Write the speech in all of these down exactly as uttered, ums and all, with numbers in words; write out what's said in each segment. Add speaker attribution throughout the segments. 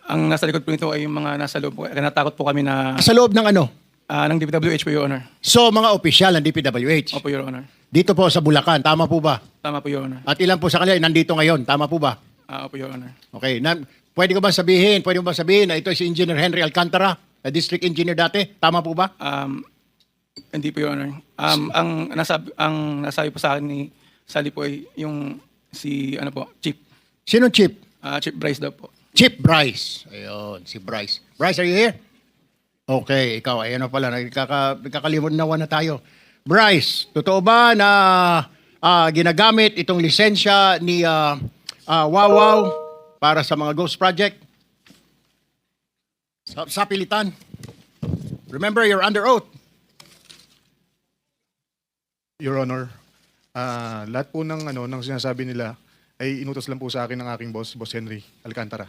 Speaker 1: Ang nasa likod po nito ay yung mga nasa loob po. Kaya natakot po kami na
Speaker 2: Sa loob ng ano?
Speaker 1: ah, ng D P W H po, Your Honor.
Speaker 2: So, mga opisyal ng D P W H.
Speaker 1: Opo, Your Honor.
Speaker 2: Dito po sa Bulacan, tama po ba?
Speaker 1: Tama po, Your Honor.
Speaker 2: At ilan po sa kanila ay nandito ngayon, tama po ba?
Speaker 1: Ah, opo, Your Honor.
Speaker 2: Okay, na, pwede ko ba sabihin, pwede mo ba sabihin na ito si Engineer Henry Alcantara, na district engineer dati, tama po ba?
Speaker 1: Um, hindi po, Your Honor. Um, ang nasabi, ang nasabi po sa akin ni Sally po ay yung si, ano po, Chief.
Speaker 2: Sino Chief?
Speaker 1: Ah, Chief Bryce daw po.
Speaker 2: Chief Bryce. Ayun, si Bryce. Bryce, are you here? Okay, ikaw, ayan na pala, nagkaka, nagkakalimunawan na tayo. Bryce, totoo ba na ah, ginagamit itong lisensya ni ah, ah, Wawaw para sa mga ghost project? Sa, sa pilitan. Remember, you're under oath.
Speaker 3: Your Honor, ah, lahat po ng ano ng sinasabi nila ay inutos lang po sa akin ng aking boss, Boss Henry Alcantara.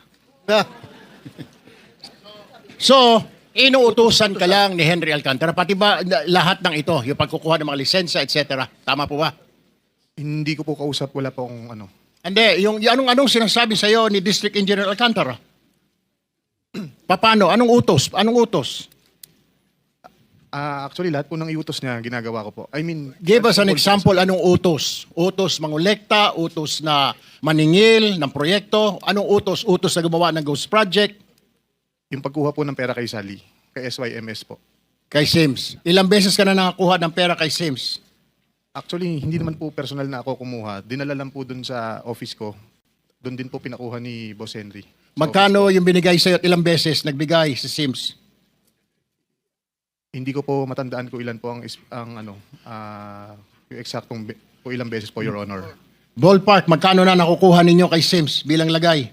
Speaker 2: So, inuutusan ka lang ni Henry Alcantara, pati ba na- lahat ng ito, yung pagkukuha ng mga lisensya, et cetera. Tama po ba?
Speaker 3: Hindi ko po kausap, wala po akong ano.
Speaker 2: Hindi, yung, yung anong-anong sinasabi sa iyo ni District Engineer Alcantara? Paano? Anong utos? Anong utos?
Speaker 3: Ah, actually, lahat po ng iutos niya ginagawa ko po. I mean,
Speaker 2: Give us an
Speaker 3: all-
Speaker 2: example, anong utos? Utos mangolekta, utos na maningil ng proyekto, anong utos? Utos na gumawa ng ghost project
Speaker 3: Yung pagkuha po ng pera kay Sally, kay S Y M S po.
Speaker 2: kay Sims. Ilang beses ka na nakakuha ng pera kay Sims?
Speaker 3: Actually, hindi naman po personal na ako kumuha. Dinala lang po dun sa office ko. Doon din po pinakuha ni Boss Henry. Sa
Speaker 2: Magkano
Speaker 3: office
Speaker 2: yung binigay sa iyo at ilang beses nagbigay si Sims?
Speaker 3: ko. Hindi ko po matandaan ko ilan po ang, is- ang ano, ah, yung eksaktong be- po ilang beses po, Your Honor.
Speaker 2: Ballpark, magkano na nakukuha ninyo kay Sims bilang lagay?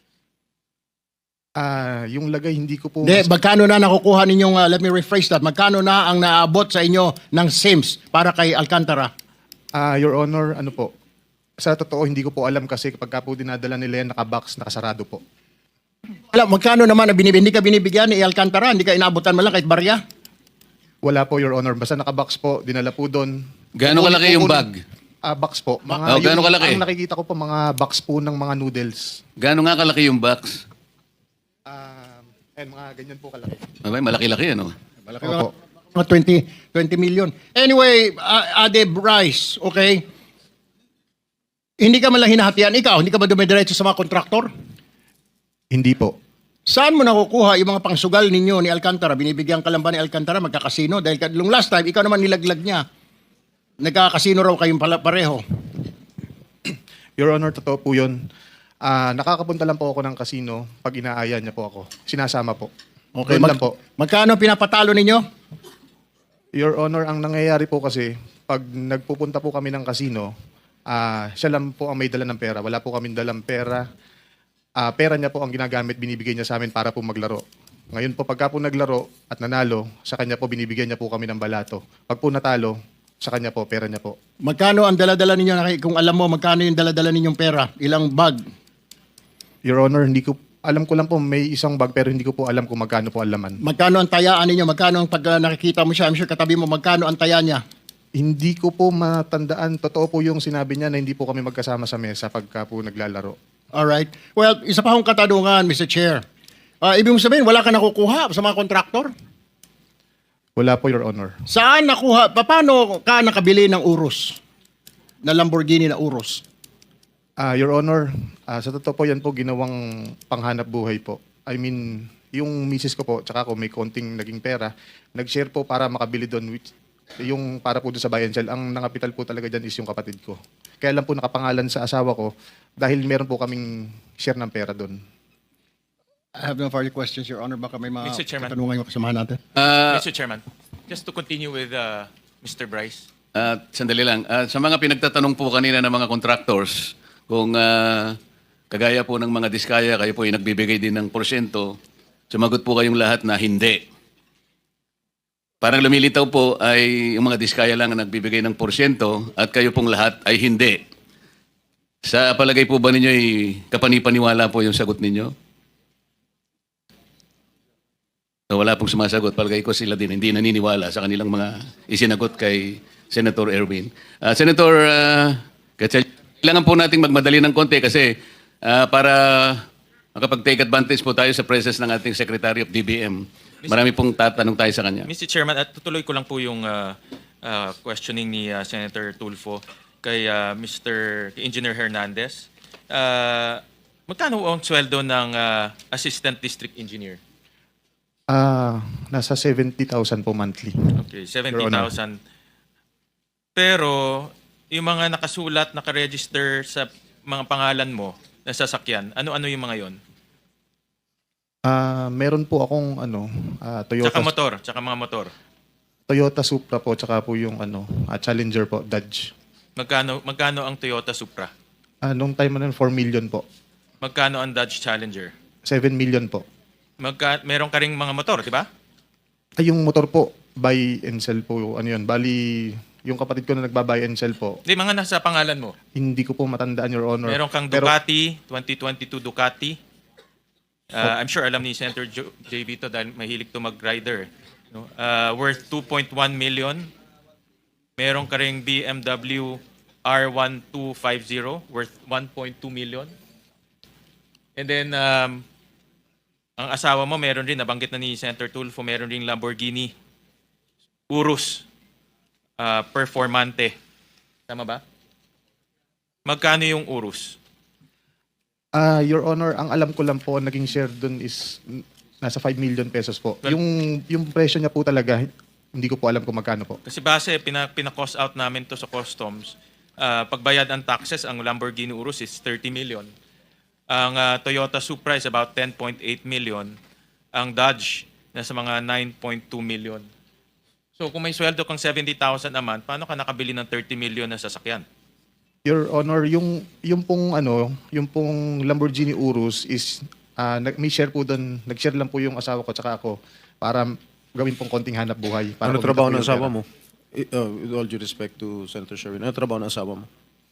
Speaker 3: Ah, yung lagay hindi ko po
Speaker 2: Hindi, magkano na nakukuha ninyong, uh, let me rephrase that, magkano na ang naabot sa inyo ng Sims para kay Alcantara?
Speaker 3: Ah, Your Honor, ano po? Sa totoo, hindi ko po alam kasi kapag ka po dinadala nila yan, nakabox, nakasarado po.
Speaker 2: Alam, magkano naman ang binibigyan? Hindi ka binibigyan ni Alcantara? Hindi ka inabutan mo lang kahit barya?
Speaker 3: Wala po, Your Honor. Basta nakabox po, dinala po doon.
Speaker 4: Gaano kalaki yung bag?
Speaker 3: Ah, box po. Mga,
Speaker 4: Oh, gaano
Speaker 3: yung-
Speaker 4: kalaki?
Speaker 3: Ang nakikita ko po, mga box po ng mga noodles.
Speaker 4: Gaano nga kalaki yung box?
Speaker 3: Ah, and mga ganyan po kalaki.
Speaker 4: Abay, malaki-laki ano?
Speaker 2: Malaki
Speaker 3: Opo.
Speaker 2: Mga twenty, twenty million. Anyway, uh, Ade Bryce, okay? Hindi ka man lang hinahatian. Ikaw, hindi ka ba dumidiretso sa mga kontraktor?
Speaker 3: Hindi po.
Speaker 2: Saan mo nakukuha yung mga pangsugal ninyo ni Alcantara? Binibigyan ka lang ba ni Alcantara magkakasino? Dahil ka- nung last time, ikaw naman nilaglag niya. Nagkakasino raw kayong pala pareho.
Speaker 3: Your Honor, totoo po yun. Ah, nakakapunta lang po ako ng casino pag inaaya niya po ako. Sinasama po.
Speaker 2: Okay,
Speaker 3: Doon
Speaker 2: mag-
Speaker 3: lang po.
Speaker 2: magkano pinapatalo ninyo?
Speaker 3: Your Honor, ang nangyayari po kasi, pag nagpupunta po kami ng casino, ah, siya lang po ang may dala ng pera. Wala po kami dalang pera. Ah, pera niya po ang ginagamit, binibigay niya sa amin para po maglaro. Ngayon po, pagka po naglaro at nanalo, sa kanya po binibigyan niya po kami ng balato. Pag po natalo, sa kanya po, pera niya po.
Speaker 2: Magkano ang dala-dala ninyo? Naki- Kung alam mo, magkano yung dala-dala ninyong pera? Ilang bag?
Speaker 3: Your Honor, hindi ko, alam ko lang po may isang bag pero hindi ko po alam kung magkano po ang laman.
Speaker 2: Magkano ang tayaan ninyo? Magkano ang pag uh, nakikita mo siya? I'm sure katabi mo, magkano ang taya niya?
Speaker 3: Hindi ko po matandaan. Totoo po yung sinabi niya na hindi po kami magkasama sa mesa pagka po naglalaro.
Speaker 2: Alright. Well, isa pa akong katanungan, Mister Chair. Uh, ibig mo sabihin, wala ka nakukuha sa mga kontraktor?
Speaker 3: Wala po, Your Honor.
Speaker 2: Saan nakuha? Pa- Paano ka nakabili ng Urus? Na Lamborghini na Urus?
Speaker 3: Ah, Your Honor, ah, sa totoo po yan po ginawang panghanap buhay po. I mean, yung misis ko po, tsaka ako may konting naging pera, nag-share po para makabili doon, which, yung para po doon sa buy and sell. Ang nangapital po talaga dyan is yung kapatid ko. Kaya lang po nakapangalan sa asawa ko dahil meron po kaming share ng pera doon.
Speaker 2: I have no further questions, Your Honor. Baka may mga
Speaker 5: Mister Chairman.
Speaker 2: katanungan yung kasamahan natin.
Speaker 4: Ah,
Speaker 5: Mister Chairman, just to continue with uh, Mister Bryce.
Speaker 4: ah, sandali lang. Ah, sa mga pinagtatanong po kanina ng mga contractors, kung ah, kagaya po ng mga diskaya, kayo po ay nagbibigay din ng porsyento, sumagot po kayong lahat na hindi. Parang lumilitaw po ay yung mga diskaya lang ang nagbibigay ng porsyento at kayo pong lahat ay hindi. Sa palagay po ba ninyo ay kapanipaniwala po yung sagot ninyo? So, wala pong sumasagot. Palagay ko sila din hindi naniniwala sa kanilang mga isinagot kay Senator Erwin. Ah, Senator uh, Gatchalian, kailangan po nating magmadali ng konti kasi ah, para makapag-take advantage po tayo sa presence ng ating Secretary of D B M. Marami pong tatanong tayo sa kanya.
Speaker 5: Mister Chairman, at tutuloy ko lang po yung ah, ah, questioning ni ah, Senator Tulfo kay ah, Mister Engineer Hernandez. Ah, magkano ang sweldo ng ah, Assistant District Engineer?
Speaker 3: Ah, nasa seventy thousand po monthly.
Speaker 5: Okay, seventy thousand. Pero yung mga nakasulat, nakaregister sa mga pangalan mo na sasakyan, ano-ano yung mga yon?
Speaker 3: Ah, meron po akong ano, ah, Toyota
Speaker 5: Tsaka motor, tsaka mga motor.
Speaker 3: Toyota Supra po, tsaka po yung ano, ah, Challenger po, Dodge.
Speaker 5: Magkano magkano ang Toyota Supra?
Speaker 3: Ah, nung time na yun, four million po.
Speaker 5: Magkano ang Dodge Challenger?
Speaker 3: seven million po.
Speaker 5: Magka, meron ka ring mga motor, di ba?
Speaker 3: Ay, yung motor po, buy and sell po, ano yun, bali, yung kapatid ko na nagba-buy and sell po,
Speaker 5: Di, mga nasa pangalan mo.
Speaker 3: hindi ko po matandaan, Your Honor.
Speaker 5: Meron kang
Speaker 3: Pero-
Speaker 5: Ducati, twenty twenty-two Ducati. Uh, I'm sure alam ni Senator Jo- J V to dahil mahilig to mag-rider. No? Uh, worth two point one million. Meron ka ring B M W R one two five zero worth one point two million. And then, um, ang asawa mo meron rin, nabanggit na ni Senator Tulfo, meron ring Lamborghini Urus uh, Performante. Tama ba? Magkano yung Urus?
Speaker 3: Ah, Your Honor, ang alam ko lang po, naging share dun is mm, nasa five million pesos po.
Speaker 5: Well-
Speaker 3: yung yung presyo niya po talaga, hindi ko po alam kung magkano po.
Speaker 5: Kasi base, pina, pina-cost out namin to sa customs. Ah, pagbayad ang taxes, ang Lamborghini Urus is thirty million. Ang ah, Toyota Supra is about ten point eight million. Ang Dodge, nasa mga nine point two million. So kung may sweldo kang seventy thousand a month, paano ka nakabili ng thirty million na sasakyan?
Speaker 3: Your Honor, yung yung pong ano, yung pong Lamborghini Urus is ah, nag may share po doon, nag-share lang po yung asawa ko tsaka ako para gawin pong konting hanap buhay. Para
Speaker 6: Ano
Speaker 3: kumita
Speaker 6: trabaho
Speaker 3: po
Speaker 6: ng
Speaker 3: yung
Speaker 6: asawa
Speaker 3: pera.
Speaker 6: mo? I- uh, with all due respect to Senator Sherwin, ano trabaho ng asawa mo?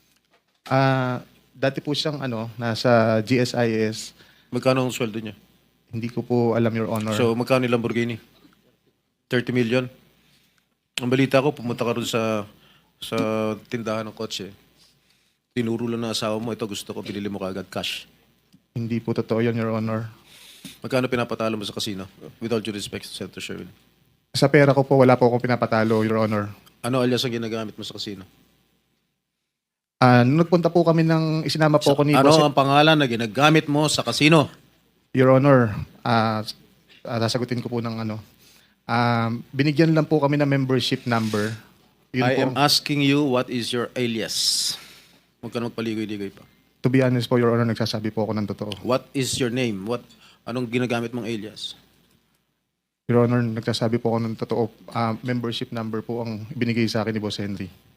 Speaker 3: Ah, dati po siyang ano, nasa G S I S.
Speaker 6: Magkano ang sweldo niya?
Speaker 3: Hindi ko po alam, Your Honor.
Speaker 6: So, magkano yung Lamborghini? thirty million? Ang balita ko, pumunta ka rin sa sa tindahan ng kotse. Tinuro lang ng asawa mo, ito gusto ko, pinili mo kaagad cash.
Speaker 3: Hindi po totoo yun, Your Honor.
Speaker 6: Magkano pinapatalo mo sa casino? With all due respect to Senator Sherwin.
Speaker 3: Sa pera ko po, wala po akong pinapatalo, Your Honor.
Speaker 6: Ano alias ang ginagamit mo sa casino?
Speaker 3: Ah, nung nagpunta po kami ng isinama po ko ni
Speaker 6: Ano
Speaker 3: Boss-
Speaker 6: ang pangalan na ginagamit mo sa casino?
Speaker 3: Your Honor, ah ah, sasagutin ko po ng ano. Ah, binigyan lang po kami ng membership number. Yun
Speaker 6: I
Speaker 3: po,
Speaker 6: am asking you, what is your alias? Huwag ka na magpaligoy-ligoy pa.
Speaker 3: to be honest po, Your Honor, nagsasabi po ako ng totoo.
Speaker 6: What is your name? What Anong ginagamit mong alias?
Speaker 3: Your Honor, nagsasabi po ako ng totoo. Ah, membership number po ang binigay sa akin ni Boss Henry.